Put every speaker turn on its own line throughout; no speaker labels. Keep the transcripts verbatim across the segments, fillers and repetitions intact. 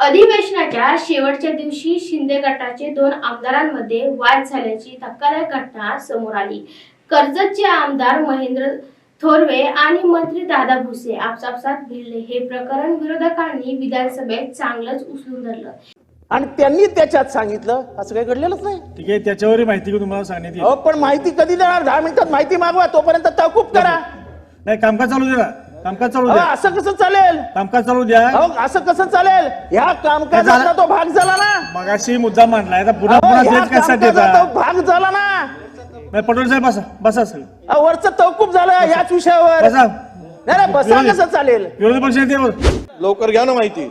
अधिवेशनाच्या शेवटच्या दिवशी शिंदे गटाचे दोन आमदारांमध्ये वाद झाल्याची धक्कादायक घटना समोर आली। कर्जतचे आमदार महेंद्र थोरवे आणि मंत्री दादा भुसे आपसापसात भिडले। हे प्रकरण विरोधकांनी विधानसभेत चांगलंच उचलून धरलं
आणि त्यांनी त्याच्यात सांगितलं असं काही घडलेलंच नाही।
ठीक आहे, त्याच्यावर माहिती तुम्हाला सांगण्यात येईल।
हो, पण माहिती कधी देणार? दहा मिनिटात माहिती मागवा, तोपर्यंत तहकूब करा।
नाही, कामकाज चालू द्या, कामकाज चालू द्या।
असं कसं चालेल?
कामकाज चालू द्या।
हो, असं कसं चालेल? ह्या कामकाजाचा तो भाग झाला ना।
मगाशी मुद्दा मांडलाय, आता पुन्हा पुन्हा तेच कशासाठी
तो भाग झाला ना।
नाही, पटोले साहेब बसा, बसा सर।
वरचं तहकूब झालं याच विषयावर।
बसा।
नाही, बसा कसं चालेल?
विरोधी पक्ष नेते
लवकर घ्या ना माहिती।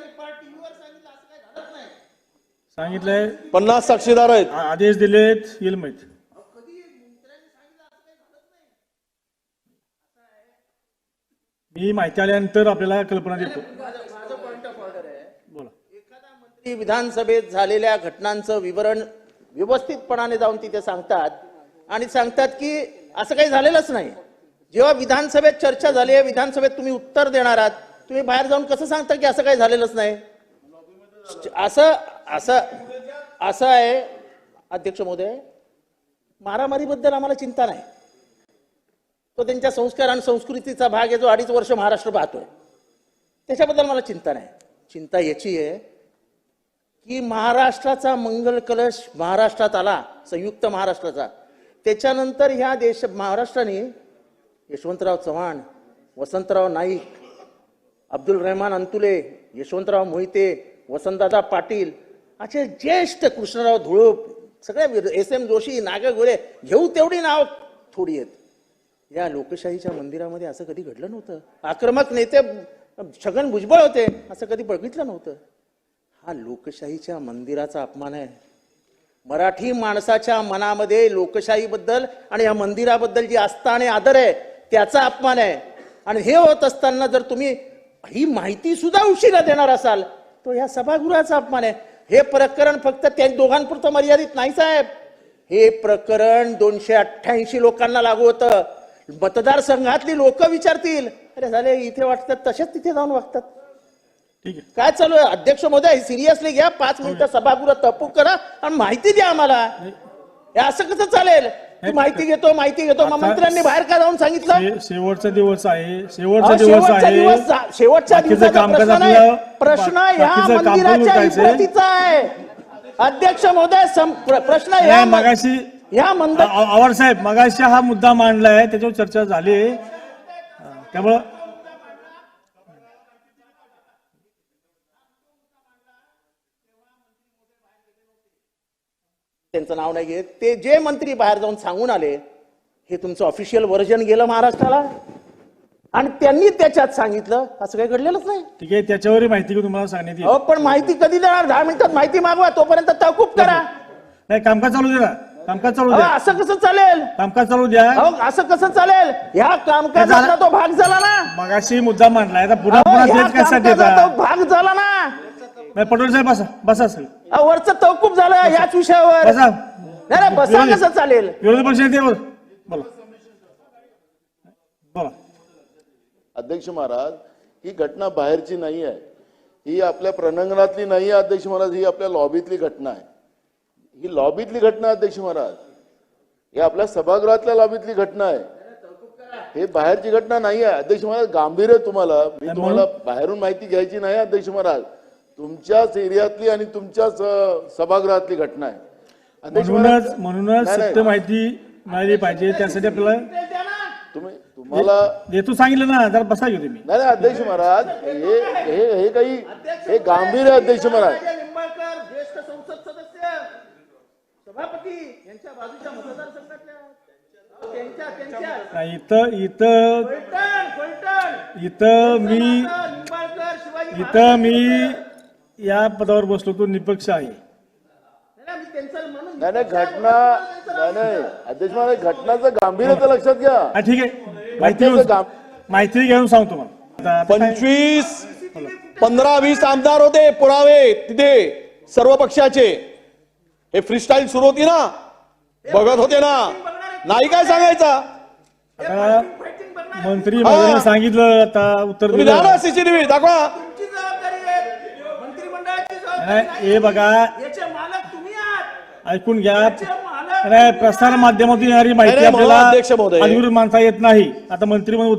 सांगितलंय,
पन्नास साक्षीदार आहेत,
आदेश दिलेत, येईल माहिती। मी माहिती आल्यानंतर आपल्याला कल्पना देतो। बोला।
एखादा मंत्री विधानसभेत झालेल्या घटनांचं विवरण व्यवस्थितपणाने जाऊन तिथे सांगतात आणि सांगतात की असं काही झालेलंच नाही। जेव्हा विधानसभेत चर्चा झाली आहे, विधानसभेत तुम्ही उत्तर देणार आहात, तुम्ही बाहेर जाऊन कसं सांगता की असं काही झालेलंच नाही? असं असं असं आहे अध्यक्ष महोदय, मारामारीबद्दल आम्हाला चिंता नाही। तो त्यांच्या संस्कार आणि संस्कृतीचा भाग आहे, जो अडीच वर्ष महाराष्ट्र पाहतोय, त्याच्याबद्दल मला चिंता नाही। चिंता याची आहे की महाराष्ट्राचा मंगल कलश महाराष्ट्रात आला, संयुक्त महाराष्ट्राचा, त्याच्यानंतर ह्या देश महाराष्ट्राने यशवंतराव चव्हाण, वसंतराव नाईक, अब्दुल रहमान अंतुले, यशवंतराव मोहिते, वसंतदादा पाटील असे ज्येष्ठ, कृष्णराव धुळप, सगळे, एस एम जोशी, नागा गोळे, घेऊ तेवढी नाव थोडी आहेत। या लोकशाहीच्या मंदिरामध्ये असं कधी घडलं नव्हतं। आक्रमक नेते छगन भुजबळ होते, असं कधी बघितलं नव्हतं। हा लोकशाहीच्या मंदिराचा अपमान आहे। मराठी माणसाच्या मनामध्ये लोकशाहीबद्दल आणि या मंदिराबद्दल जी आस्था आणि आदर आहे त्याचा अपमान आहे। आणि हे होत असताना जर तुम्ही ही माहिती सुद्धा उशिरा देणार असाल तो या सभागृहाचा अपमान आहे। हे प्रकरण फक्त त्या दोघांपुरतं मर्यादित नाही साहेब, हे प्रकरण दोनशे अठ्ठ्याऐंशी लोकांना लागू होतं। मतदारसंघातली लोक विचारतील, अरे झाले इथे वाटतात तसेच तिथे जाऊन वागतात।
ठीक आहे,
काय चालू आहे? अध्यक्ष महोदय, सिरियसली घ्या, पाच मिनिटं सभागृह तहकूब करा आणि माहिती द्या आम्हाला। हे असं कसं चालेल? माहिती घेतो माहिती घेतो मग मंत्र्यांनी बाहेर का जाऊन सांगितलं?
शेवटचा दिवस आहे, शेवटचा दिवस आहे,
शेवटच्या दिवसाचा प्रश्न नाही, प्रश्न ह्या मंदिराच्या इमारतीचा आहे अध्यक्ष महोदय। प्रश्न या
मगाशी
या मंदिर
आवार साहेब मगाशी हा मुद्दा मांडलाय, त्याच्यावर चर्चा झाली, त्यामुळं
त्यांचं नाव नाही घेत, ते जे मंत्री बाहेर जाऊन सांगून आले, हे तुमचं ऑफिशियल व्हर्जन गेलं महाराष्ट्राला आणि त्यांनी त्याच्यात सांगितलं असं काही घडलेलंच नाही।
ठीक आहे, त्याच्यावर माहिती तुम्हाला सांगण्यात येईल।
हो, पण माहिती कधी देणार? दहा मिनिटात माहिती मागवा, तोपर्यंत तहकूब करा।
नाही, कामकाज चालू द्या, कामकाज चालू द्या।
असं कसं चालेल?
कामकाज चालू द्या।
हो, असं कसं चालेल? ह्या कामकाजाचा तो भाग झाला ना।
मगाशी मुद्दा मांडलाय, आता पुन्हा पुन्हा तेच कशासाठी?
तो भाग झाला ना।
नाही, पटोले साहेब बसा, बसा सर।
वरचं तहकूब झालं याच विषयावर।
बसा।
नाही, बसा कसं चालेल?
विरोधी पक्ष नेते बोला, बोला।
अध्यक्ष महाराज, ही घटना बाहेरची नाही आहे, ही आपल्या प्रणांगणातली नाही आहे अध्यक्ष महाराज, ही आपल्या लॉबीतली घटना आहे। ही लॉबीतली घटना अध्यक्ष महाराज, ही आपल्या सभागृहातल्या लॉबीतली घटना आहे, हे बाहेरची घटना नाही आहे अध्यक्ष महाराज। गांभीर्य तुम्हाला, मी तुम्हाला बाहेरून माहिती घ्यायची नाही अध्यक्ष महाराज, तुमच्याच एरियातली आणि तुमच्याच सभागृहातली घटना आहे अध्यक्ष महाराज।
म्हणूनच म्हणूनच सत्य माहिती मिळाली पाहिजे, त्यासाठी आपल्याला
तुम्ही तुम्हाला
देतो सांगितलं ना, जरा बसा घेऊ तुम्ही।
नाही अध्यक्ष महाराज, हे हे हे काही हे गांभीर्य अध्यक्ष महाराज।
निंबाळकर ज्येष्ठ संसद सदस्य, सभापती यांच्या बाजूच्या मतदारसंघातल्या त्यांच्या त्यांच्या
इथं इथं इथं मी
निंबाळकर शिवाजी
इथं मी या पदावर बसलो तो निपक्ष आहे।
नाही नाही घटना नाही नाही अध्यक्ष महाराज, घटनाचं गांभीर्य तर लक्षात घ्या।
ठीक आहे, माहिती माहिती घेऊन सांगतो मला।
पंचवीस पंधरा वीस आमदार होते, पुरावे तिथे सर्व पक्षाचे। हे फ्रीस्टाईल सुरू होती ना, बघत होते ना, नाही काय सांगायचा?
मंत्री महोदयांनी सांगितलं, आता उत्तर
तुम्ही
दिलं।
द्या ना सीसीटीव्ही दाखवा।
नाही, हे बघा
याचे मालक तुम्ही आहात.
ऐकून घ्या.
याचे मालक
नाही, प्रसार माध्यमातून येणारी माहिती
नाही, नाही, म्हणून
आपल्याला
अध्यक्ष महोदय.
अधिकृत मानता येत नाही. आता मंत्री म्हणून